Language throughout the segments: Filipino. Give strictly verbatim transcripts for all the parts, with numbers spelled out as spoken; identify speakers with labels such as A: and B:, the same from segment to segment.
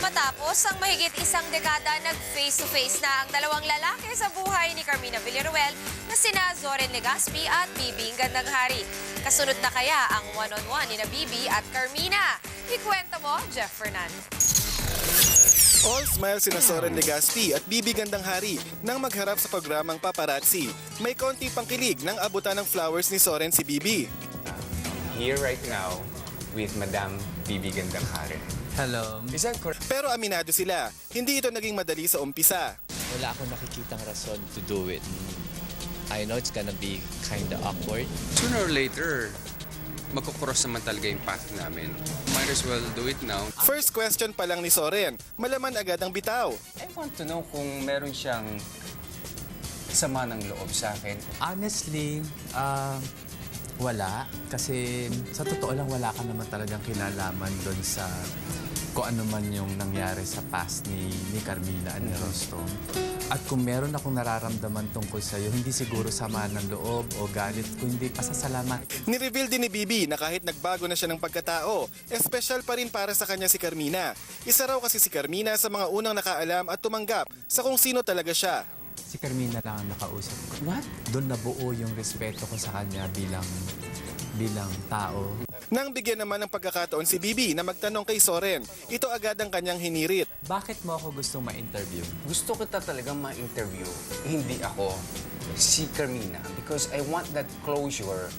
A: Matapos ang mahigit isang dekada, nag-face-to-face na ang dalawang lalaki sa buhay ni Carmina Villaruel na sina Zoren Legaspi at Bibi Gandaghari. Kasunod na kaya ang one-on-one ni na Bibi at Carmina? Ikwento mo, Jeff Fernandez.
B: All smiles sina Zoren Legaspi at Bibi Gandaghari nang magharap sa programang Paparazzi. May konti pang kilig nang abutan ng flowers ni Zoren si Bibi.
C: Here right now with Madam Bibi Gandaghari.
D: Hello.
C: Is that correct?
B: Pero aminado sila, hindi ito naging madali sa umpisa.
D: Wala akong nakikitang rason to do it. I know it's gonna be kinda awkward.
E: Sooner or later, magkukross naman talaga yung path namin. Might as well do it now.
B: First question pa lang ni Zoren, malaman agad ang bitaw.
C: I want to know kung meron siyang sama ng loob sa akin.
D: Honestly, uh, wala. Kasi sa totoo lang, wala ka naman talagang kinalaman doon sa kung ano man yung nangyari sa past ni, ni Carmina at ni Rostom. At kung meron akong nararamdaman tungkol sa'yo, hindi siguro sama ng loob o galit, kundi pasasalamat.
B: Nireveal din ni Bibi na kahit nagbago na siya ng pagkatao, espesyal pa rin para sa kanya si Carmina. Isa raw kasi si Carmina sa mga unang nakaalam at tumanggap sa kung sino talaga siya.
D: Si Carmina lang ang nakausap ko.
C: What?
D: Doon nabuo yung respeto ko sa kanya bilang bilang tao.
B: Nang bigyan naman ng pagkakataon si Bibi na magtanong kay Zoren, ito agad ang kanyang hinirit.
D: Bakit mo ako gustong ma-interview?
C: Gusto kita talagang ma-interview, hindi ako, si Carmina. Because I want that closure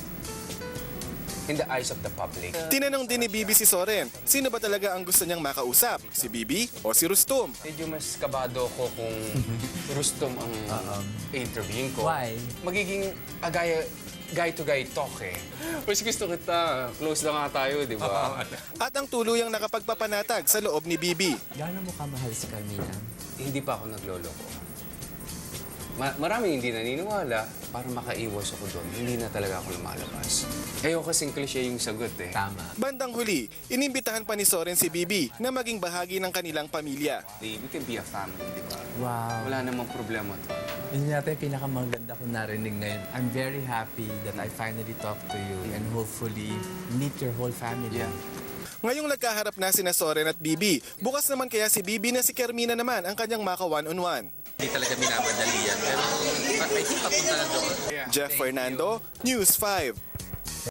C: in the eyes of the public.
B: Tinanong din ni Bibi si Zoren, sino ba talaga ang gusto niyang makausap? Si Bibi o si Rustom?
C: Medyo mas kabado ko kung Rustom ang interviewin ko.
D: Why?
C: Magiging agaya guy-to-guy talk eh. Mas gusto kita, close na nga tayo, di ba?
B: At ang tuluyang nakapagpapanatag sa loob ni Bibi.
D: Gaano mo kamahal si Carmina?
C: Hindi pa ako nagloloko. Ma maraming hindi naniniwala, para makaiwas ako doon. Hindi na talaga ako lumalabas. Ayoko kasing cliche yung sagot eh.
D: Tama.
B: Bandang huli, inimbitahan pa ni Zoren si Bibi na maging bahagi ng kanilang pamilya.
C: We can be a family, di ba?
D: Wow.
C: Wala namang problema to.
D: Yun yata yung pinakamaganda kong narinig ngayon. I'm very happy that I finally talked to you and hopefully meet your whole family.
C: Yeah.
B: Ngayong nagkaharap na sina Zoren at Bibi, bukas naman kaya si Bibi na si Carmina naman ang kanyang maka one-on-one.
E: Hindi talaga minamadali yan. Pero I think papunta na doon.
B: Jeff Fernando, News five.